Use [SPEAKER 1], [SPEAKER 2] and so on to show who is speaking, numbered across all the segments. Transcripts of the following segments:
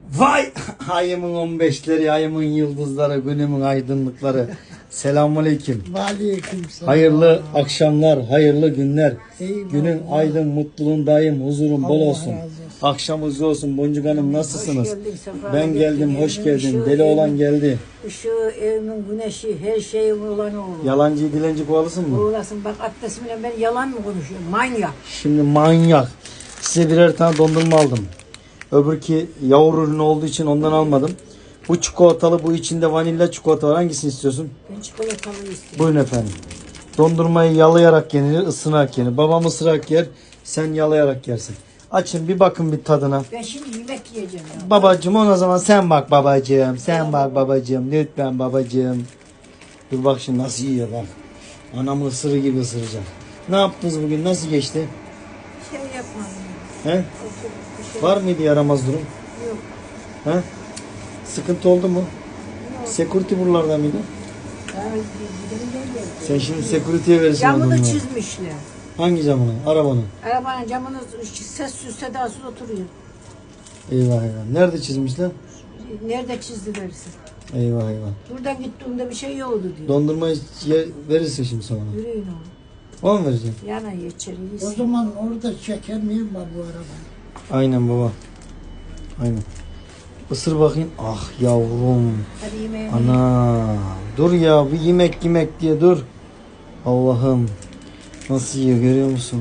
[SPEAKER 1] Vay ayımın 15'leri, ayımın yıldızları, günümün aydınlıkları. Selamünaleyküm.
[SPEAKER 2] Aleykümselam.
[SPEAKER 1] Hayırlı akşamlar, hayırlı günler.
[SPEAKER 2] Eyvallah.
[SPEAKER 1] Günün aydın, mutluluğun daim, huzurun bol
[SPEAKER 2] Allah
[SPEAKER 1] olsun.
[SPEAKER 2] razı olsun.
[SPEAKER 1] Akşamınız olsun. Boncuk Hanım nasılsınız?
[SPEAKER 3] Hoş geldin, sefa
[SPEAKER 1] Ben geldim,
[SPEAKER 3] getirdin.
[SPEAKER 1] hoş geldin.
[SPEAKER 3] Işığı,
[SPEAKER 1] Deli olan
[SPEAKER 3] evin-
[SPEAKER 1] geldi.
[SPEAKER 3] Işığı, evimin güneşi, her şeyim olan oğlum.
[SPEAKER 1] Yalancı dilenci kovalısın mı?
[SPEAKER 3] Uğrasın bak abdestimle ben yalan mı konuşuyorum? Manyak.
[SPEAKER 1] Şimdi manyak. Size birer tane dondurma aldım. Öbürki yavru ürün olduğu için ondan almadım. Bu çikolatalı, bu içinde vanilya çikolata var. Hangisini istiyorsun?
[SPEAKER 3] Ben çikolatalı istiyorum.
[SPEAKER 1] Buyurun efendim. Dondurmayı yalayarak yenir, ısırarak yenir. Babam ısırarak yer, sen yalayarak yersin. Açın bir bakın bir tadına.
[SPEAKER 3] Ben şimdi yemek yiyeceğim ya.
[SPEAKER 1] Babacığım o zaman sen bak babacığım. Sen bak babacığım. Lütfen babacığım. Dur bak şimdi nasıl yiyor bak. Anamın ısırı gibi ısıracak. Ne yaptınız bugün? Nasıl geçti?
[SPEAKER 3] Şey yapmadım.
[SPEAKER 1] He?
[SPEAKER 3] Oturup bir şey
[SPEAKER 1] Var mıydı yaramaz durum?
[SPEAKER 3] yok.
[SPEAKER 1] He? Sıkıntı oldu mu? Security buralarda mıydı?
[SPEAKER 3] Ya, gidelim gel.
[SPEAKER 1] Sen şimdi security'ye verirsin
[SPEAKER 3] Camını
[SPEAKER 1] onu.
[SPEAKER 3] çizmişler.
[SPEAKER 1] Hangi camını? Arabanın.
[SPEAKER 3] Arabanın camını sessiz sedasız oturuyor.
[SPEAKER 1] Eyvah eyvah. Nerede çizmişler?
[SPEAKER 3] Nerede çizdilerse.
[SPEAKER 1] Eyvah eyvah.
[SPEAKER 3] Buradan gittiğimde bir şey yoktu diyor.
[SPEAKER 1] Dondurmayı verirsin şimdi sana.
[SPEAKER 3] Yürüyün oğlum.
[SPEAKER 1] O mu vereceksin?
[SPEAKER 3] Yana içeri
[SPEAKER 2] O
[SPEAKER 3] yesin.
[SPEAKER 2] zaman orada çeker miyim var bu araba?
[SPEAKER 1] Aynen baba. Aynen. Isır bakayım. Ah yavrum.
[SPEAKER 3] Hadi yemeğini.
[SPEAKER 1] Ana. Dur ya bir yemek diye dur. Allah'ım. Nasıl yiyor görüyor musun?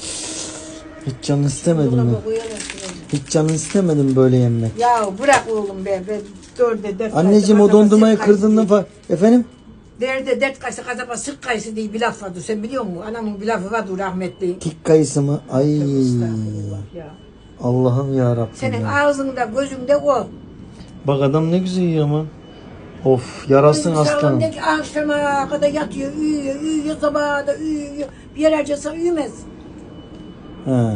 [SPEAKER 1] Hiç canın istemedin mi?
[SPEAKER 3] Dolaba koyalım şuraya.
[SPEAKER 1] Hiç canın istemedin böyle yemek.
[SPEAKER 3] Ya bırak oğlum be. Ben dörde dert
[SPEAKER 1] Anneciğim o dondurmayı kırdığında falan. Efendim?
[SPEAKER 3] Derde dert kayısı kasaba sık kayısı diye bir laf vardı. Sen biliyor musun? Anamın bir lafı vardı rahmetli.
[SPEAKER 1] Tik kayısı mı? Ay.
[SPEAKER 3] Estağfurullah ya.
[SPEAKER 1] Allah'ım ya Rabbim.
[SPEAKER 3] Senin
[SPEAKER 1] ya.
[SPEAKER 3] ağzında gözünde o.
[SPEAKER 1] Bak adam ne güzel yiyor ama. Of yarasın aslanım.
[SPEAKER 3] Ne ki akşama kadar yatıyor, uyuyor, sabaha da uyuyor. Bir yer harcasa uyumaz.
[SPEAKER 1] He.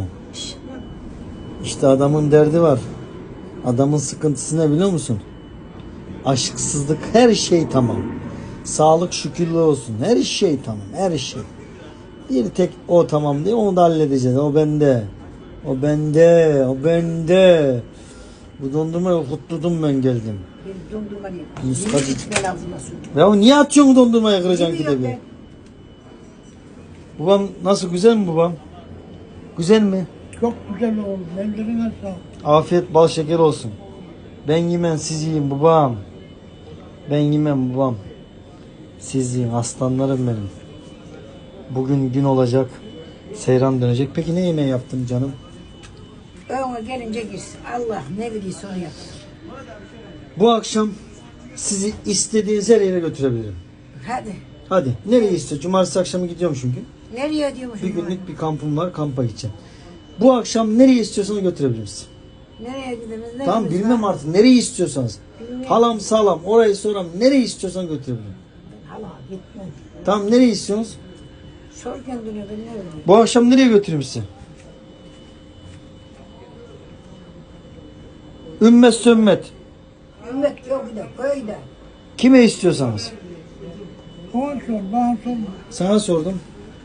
[SPEAKER 1] İşte adamın derdi var. Adamın sıkıntısı ne biliyor musun? Aşksızlık, her şey tamam. Sağlık şükürlü olsun. Her şey tamam. Her şey. Bir tek o tamam diye onu da halledeceğiz. O bende. O bende. O bende. Bu dondurmayı kutladım ben geldim.
[SPEAKER 3] Bir dondurma değil.
[SPEAKER 1] Muskacı.
[SPEAKER 3] Yeni içme lazım su.
[SPEAKER 1] Ya niye atıyorsun dondurmayı kıracaksın ki de
[SPEAKER 3] Bilmiyorum
[SPEAKER 1] bir?
[SPEAKER 3] ben.
[SPEAKER 1] Babam nasıl, güzel mi babam? Güzel mi?
[SPEAKER 2] Çok güzel oldu. Ellerine sağlık.
[SPEAKER 1] Afiyet bal şeker olsun. Ben yemem siz yiyin babam. Ben yemem babam. Siz yiyin aslanlarım benim. Bugün gün olacak. Seyran dönecek. Peki ne yemeği yaptın canım?
[SPEAKER 3] Öğüne gelince girsin. Allah ne bilirse onu yapsın.
[SPEAKER 1] Bu akşam sizi istediğiniz her yere götürebilirim.
[SPEAKER 3] Hadi.
[SPEAKER 1] Hadi. Nereye istiyor? Cumartesi akşamı gidiyorum çünkü.
[SPEAKER 3] Nereye diyormuş?
[SPEAKER 1] Bir günlük bir kampım var. Kampa gideceğim. Bu akşam nereye istiyorsanız götürebilirim sizi.
[SPEAKER 3] Nereye gidemiz?
[SPEAKER 1] Tamam bilmem artık. Nereyi istiyorsanız. Halam salam orayı soram. Nereyi istiyorsan götürebilirim.
[SPEAKER 3] Hala gitme.
[SPEAKER 1] Tamam nereyi istiyorsunuz?
[SPEAKER 3] Sor kendine ben ne öyle.
[SPEAKER 1] Bu akşam nereye götüreyim sizi? Ümmet sümmet.
[SPEAKER 3] Ümmet yok da köyde.
[SPEAKER 1] Kime istiyorsanız.
[SPEAKER 2] Bana sor, bana sorma.
[SPEAKER 1] Sana sordum.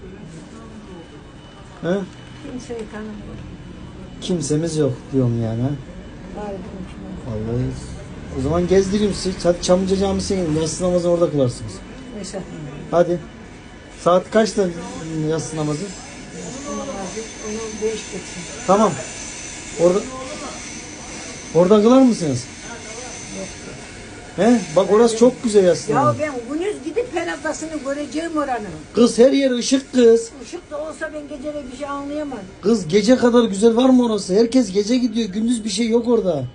[SPEAKER 1] He?
[SPEAKER 3] Kimseyi tanımıyor.
[SPEAKER 1] Kimsemiz yok diyorum yani. ha?
[SPEAKER 3] Bari bunun için.
[SPEAKER 1] Vallahi. O zaman gezdireyim sizi. Hadi Çamlıca Camisi'ne gidin. Yatsı namazını orada kılarsınız.
[SPEAKER 3] Mesela.
[SPEAKER 1] Hadi. Saat kaçta yatsı namazı?
[SPEAKER 3] Onu 5 geçsin.
[SPEAKER 1] Tamam. Orada kılar mısınız? He? Bak orası çok güzel yatsı
[SPEAKER 3] Ya
[SPEAKER 1] namazı.
[SPEAKER 3] ben gündüz gidip penaltasını göreceğim oranın.
[SPEAKER 1] Kız her yer ışık kız.
[SPEAKER 3] Işık da olsa ben geceleri bir şey anlayamadım.
[SPEAKER 1] Kız gece kadar güzel var mı orası? Herkes gece gidiyor. Gündüz bir şey yok orada.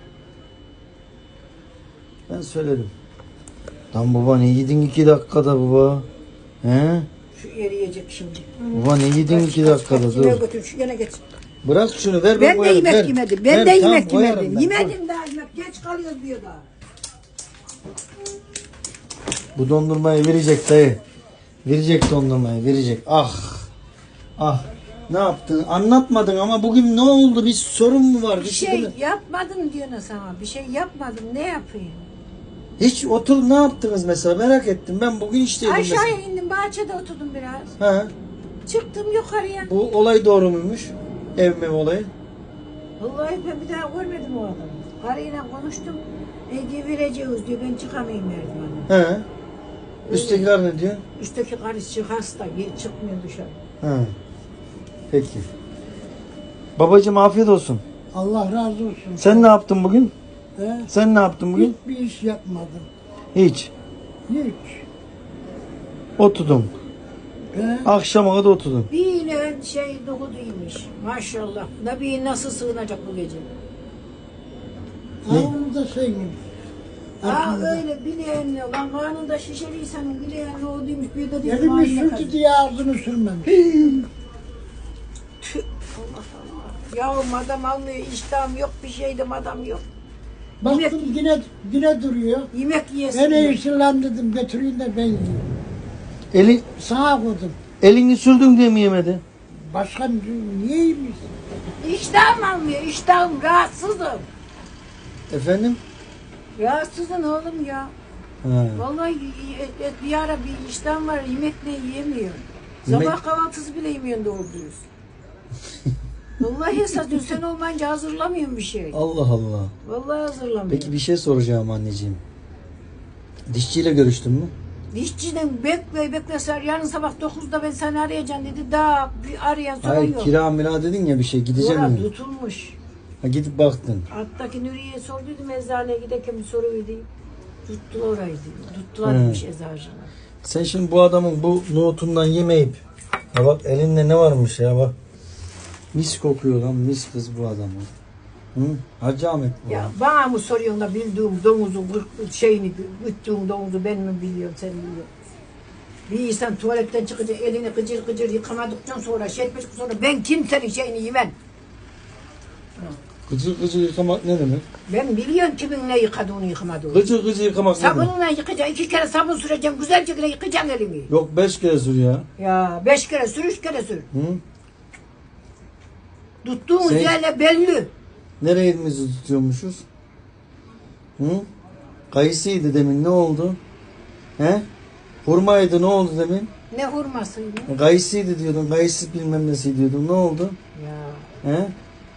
[SPEAKER 1] Ben söyledim. Lan baba ne yedin 2 dakikada baba? He?
[SPEAKER 3] Şu eriyecek şimdi.
[SPEAKER 1] Baba ne yedin 2 dakikada
[SPEAKER 3] Yemeğe
[SPEAKER 1] dur.
[SPEAKER 3] götür şu yana geç.
[SPEAKER 1] Bırak şunu ver
[SPEAKER 3] Ben de
[SPEAKER 1] koyarım,
[SPEAKER 3] yemek
[SPEAKER 1] ver.
[SPEAKER 3] yemedim. Ben
[SPEAKER 1] Ver,
[SPEAKER 3] de
[SPEAKER 1] tamam,
[SPEAKER 3] yemek
[SPEAKER 1] koyarım
[SPEAKER 3] yemedim.
[SPEAKER 1] ben.
[SPEAKER 3] Yemedim daha yemek. Geç kalıyoruz diyor daha.
[SPEAKER 1] Bu dondurmayı verecek dayı. Verecek dondurmayı verecek. Ah. Ah. Ne yaptın? Anlatmadın ama bugün ne oldu? Bir sorun mu var?
[SPEAKER 3] Bir şey yapmadım diyorsun sana. Bir şey yapmadım. Ne yapayım?
[SPEAKER 1] Hiç otur ne yaptınız mesela merak ettim. Ben bugün işteydim mesela.
[SPEAKER 3] Aşağıya indim. Bahçede oturdum biraz.
[SPEAKER 1] Ha.
[SPEAKER 3] Çıktım yukarıya.
[SPEAKER 1] Bu olay doğru muymuş? Ev mev olayı.
[SPEAKER 3] Vallahi ben bir daha görmedim o adamı. Karıyla konuştum. Ege vereceğiz diyor. Ben çıkamayayım merdivene.
[SPEAKER 1] He. Üstteki karı ne diyor?
[SPEAKER 3] Üstteki karısı hasta. Çıkmıyor dışarı.
[SPEAKER 1] He. Peki. Babacığım afiyet olsun.
[SPEAKER 2] Allah razı olsun.
[SPEAKER 1] Sen ne yaptın bugün?
[SPEAKER 2] He?
[SPEAKER 1] Sen ne yaptın bugün?
[SPEAKER 2] Hiçbir iş yapmadım.
[SPEAKER 1] Hiç.
[SPEAKER 2] Hiç.
[SPEAKER 1] Oturdum.
[SPEAKER 2] He?
[SPEAKER 1] Akşama kadar oturdum.
[SPEAKER 3] Bir yine dokuduymuş. Maşallah. Nabi nasıl sığınacak bu gece?
[SPEAKER 1] Ne?
[SPEAKER 2] Onu da söyleyeyim.
[SPEAKER 3] Öyle bileğenle lan karnında şişeli insanın bileğenle o demiş bir de dedim
[SPEAKER 2] Elimi
[SPEAKER 3] haline
[SPEAKER 2] sürdü
[SPEAKER 3] kadar.
[SPEAKER 2] diye ağzını sürmemiş.
[SPEAKER 3] Tüh, Allah Allah. Yavrum adam almıyor, iştahım yok, bir şeydim adam yok.
[SPEAKER 2] Baktım yine duruyor.
[SPEAKER 3] Yemek yiyesin.
[SPEAKER 2] En
[SPEAKER 3] diyor.
[SPEAKER 2] iyisi lan dedim götüreyim de ben yiyeyim.
[SPEAKER 1] Eli,
[SPEAKER 2] Sağa koydum.
[SPEAKER 1] elini sürdün diye mi yemedi?
[SPEAKER 2] Başka niye yemiş?
[SPEAKER 3] İştahım almıyor, iştahım rahatsızım.
[SPEAKER 1] Efendim?
[SPEAKER 3] Rahatsızım oğlum ya.
[SPEAKER 1] He.
[SPEAKER 3] Vallahi bir ara bir iştahım var, yemek ne yiyemiyorum.
[SPEAKER 1] Yemek-
[SPEAKER 3] Sabah kahvaltısı bile yemiyorum doğru dürüst. Vallahi esas diyor, sen olmayınca hazırlamıyorum bir şey.
[SPEAKER 1] Allah Allah.
[SPEAKER 3] Vallahi hazırlamıyorum.
[SPEAKER 1] Peki bir şey soracağım anneciğim. Dişçiyle görüştün mü?
[SPEAKER 3] Dişçiden bekle Sar, yarın sabah 9'da ben seni arayacağım dedi. Daha bir arayan soran
[SPEAKER 1] Hayır
[SPEAKER 3] yok.
[SPEAKER 1] kira mira dedin ya bir şey gideceğim
[SPEAKER 3] Orada
[SPEAKER 1] mi?
[SPEAKER 3] tutulmuş.
[SPEAKER 1] Ha, gidip baktın.
[SPEAKER 3] Alttaki Nuriye'ye sorduydum eczaneye giderken bir soruydu. Tuttular orayı diyor. Tuttularmış eczacılar.
[SPEAKER 1] Sen şimdi bu adamın bu nohutundan yemeyip ya bak elinde ne varmış ya bak. Mis kokuyor lan mis kız bu adamın. Hı? Hacı Ahmet bu.
[SPEAKER 3] Ya bana mı soruyorsun da bildiğim domuzun şeyini, güttüğün domuzu ben mi biliyorum, sen biliyorsun. Bir insan tuvaletten çıkınca elini gıcır gıcır yıkamadıktan sonra şey etmiş sonra ben kimsenin şeyini yemem.
[SPEAKER 1] Gıcır gıcır yıkamak ne demek?
[SPEAKER 3] Ben biliyorum kimin ne yıkadığını yıkamadığını.
[SPEAKER 1] Gıcır gıcır yıkamak ne demek?
[SPEAKER 3] Sabunla yıkacaksın, 2 kere sabun süreceksin, güzelce yıkacaksın elini.
[SPEAKER 1] Yok 5 kere sür ya.
[SPEAKER 3] Ya 5 kere sür, 3 kere sür.
[SPEAKER 1] Hı?
[SPEAKER 3] Tuttuğumuz
[SPEAKER 1] Sen-
[SPEAKER 3] yerle belli.
[SPEAKER 1] Nereye elimizi tutuyormuşuz? Hı? Kayısıydı demin ne oldu? He? Hurmaydı ne oldu demin?
[SPEAKER 3] Ne hurmasıydı?
[SPEAKER 1] Kayısıydı diyordun, kayısı bilmem nesi diyordun. Ne oldu?
[SPEAKER 3] Ya
[SPEAKER 1] He?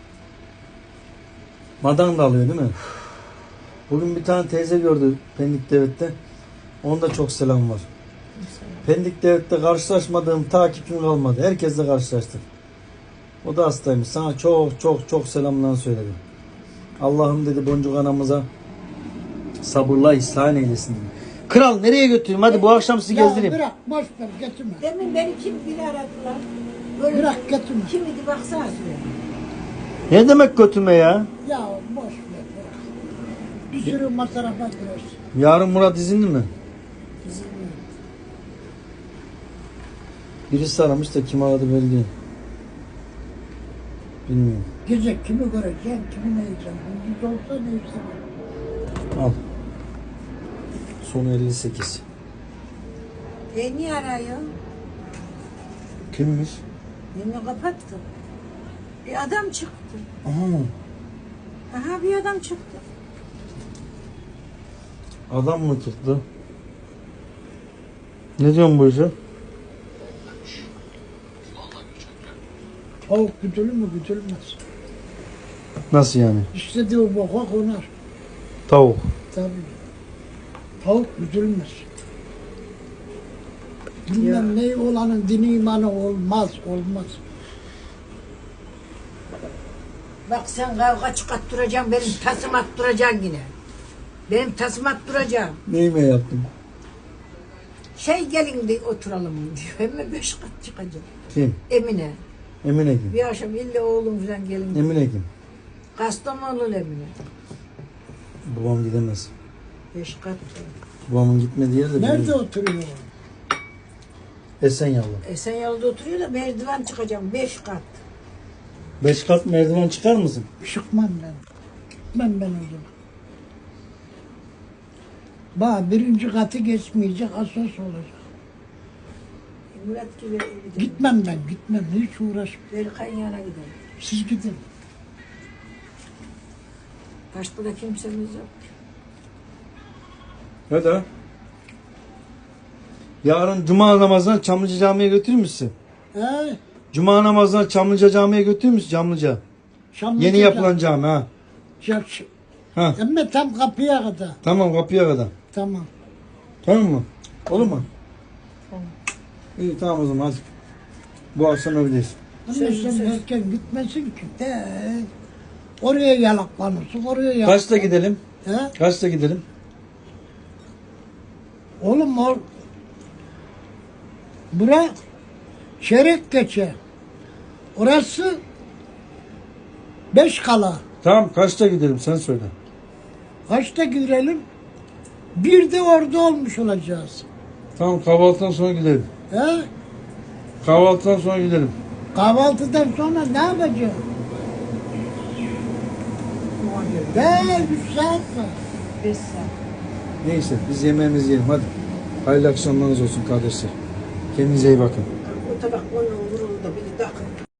[SPEAKER 1] Madan da alıyor değil mi? Bugün bir tane teyze gördü Pendik Devlet'te. Onda çok selam var. Pendik Devlet'te karşılaşmadığım takipçim kalmadı. Herkesle karşılaştık. O da hastaymış. Sana çok çok çok selamlar söyledim. Allah'ım dedi Boncuk anamıza sabırla ihsan eylesin. Kral nereye götüreyim? Hadi bu akşam sizi
[SPEAKER 2] Ya
[SPEAKER 1] gezdireyim.
[SPEAKER 2] bırak boş ver getirme.
[SPEAKER 3] demin beni kim biri aradılar. Böyle
[SPEAKER 2] Bırak getirme.
[SPEAKER 3] kim idi baksana şuraya.
[SPEAKER 1] Ne demek götürme ya?
[SPEAKER 2] Ya boş ver bırak. Bir sürü masrafa girersin.
[SPEAKER 1] Yarın Murat izinli mi? Birisi aramış da kim aradı belli değil. Bilmiyorum.
[SPEAKER 2] Gece kimi göreceksin, kimi ne yiyeceksin. Gündüz olsa neyse.
[SPEAKER 1] Al. Sonu 58.
[SPEAKER 3] Niye arıyor?
[SPEAKER 1] Kimmiş?
[SPEAKER 3] Beni kapattı. Bir adam çıktı.
[SPEAKER 1] Aha.
[SPEAKER 3] Aha bir adam çıktı.
[SPEAKER 1] Adam mı çıktı? Ne diyorsun bu işe?
[SPEAKER 2] Tavuk güdülür mü güdülmez.
[SPEAKER 1] Nasıl yani?
[SPEAKER 2] İstediği o boka konar.
[SPEAKER 1] Tavuk.
[SPEAKER 2] Tabii. Tavuk güdülmez. Bilmem ne olanın dini imanı olmaz.
[SPEAKER 3] Bak sen kavga çıkarttıracaksın, benim tasım attıracaksın yine. Benim tasım attıracaksın.
[SPEAKER 1] Neyime yaptım?
[SPEAKER 3] Şey gelin de oturalım diyor. Hem 5 kat çıkacak.
[SPEAKER 1] Kim?
[SPEAKER 3] Emine.
[SPEAKER 1] Emine kim?
[SPEAKER 3] Bir akşam illa oğlum falan gelin.
[SPEAKER 1] Emine kim?
[SPEAKER 3] Kastamonu Emine.
[SPEAKER 1] Babam gidemez.
[SPEAKER 3] 5 kat.
[SPEAKER 1] Babamın gitmediği yerde
[SPEAKER 2] Nerede
[SPEAKER 1] biliyorum.
[SPEAKER 2] oturuyor?
[SPEAKER 1] Esenyurt'ta.
[SPEAKER 3] Esenyurt'ta oturuyor da merdiven çıkacağım 5 kat.
[SPEAKER 1] 5 kat merdiven çıkar mısın?
[SPEAKER 2] Çıkmam ben. Gitmem ben o zaman. Bak birinci katı geçmeyecek, asas olacak.
[SPEAKER 3] Murat gibi gidelim.
[SPEAKER 2] Gitmem ben, gitmem. Hiç uğraşmam.
[SPEAKER 3] Berkay'ın yanına gidelim.
[SPEAKER 2] Siz gidin.
[SPEAKER 3] Başka da kimsemiz yok.
[SPEAKER 1] Hadi. Yarın Cuma namazına Çamlıca Camii'ye götürür müsün?
[SPEAKER 2] He?
[SPEAKER 1] Cuma namazına Çamlıca Camii'ye götürür müsün? Çamlıca.
[SPEAKER 2] Çamlıca
[SPEAKER 1] Yeni yapılan cami ha. Ha.
[SPEAKER 2] Ama tam kapıya kadar.
[SPEAKER 1] Tamam kapıya kadar.
[SPEAKER 2] Tamam.
[SPEAKER 1] Tamam mı? Olur mu?
[SPEAKER 3] Tamam.
[SPEAKER 1] İyi tamam o zaman hadi. Bu akşam öyleyiz.
[SPEAKER 2] Ama
[SPEAKER 3] Söz-
[SPEAKER 2] sen
[SPEAKER 3] söz.
[SPEAKER 2] erken gitmesin ki. Oraya yalaklanırsın, oraya yalak.
[SPEAKER 1] Kaçta gidelim?
[SPEAKER 2] He?
[SPEAKER 1] Kaçta gidelim?
[SPEAKER 2] Oğlum bura çeyrek geçe. Orası 5 kala.
[SPEAKER 1] Tamam kaçta gidelim sen söyle.
[SPEAKER 2] Kaçta girelim? Bir de orada olmuş olacağız.
[SPEAKER 1] Tamam kahvaltıdan sonra gidelim.
[SPEAKER 2] He?
[SPEAKER 1] Kahvaltıdan sonra gidelim.
[SPEAKER 2] Kahvaltıdan sonra ne yapacağız? Be 3 saat var.
[SPEAKER 3] 5 saat.
[SPEAKER 1] Neyse biz yemeğimizi yiyelim hadi. Hayırlı akşamlarınız olsun kardeşler. Kendinize iyi bakın.
[SPEAKER 3] O tabak onun vuruldu, biri takıp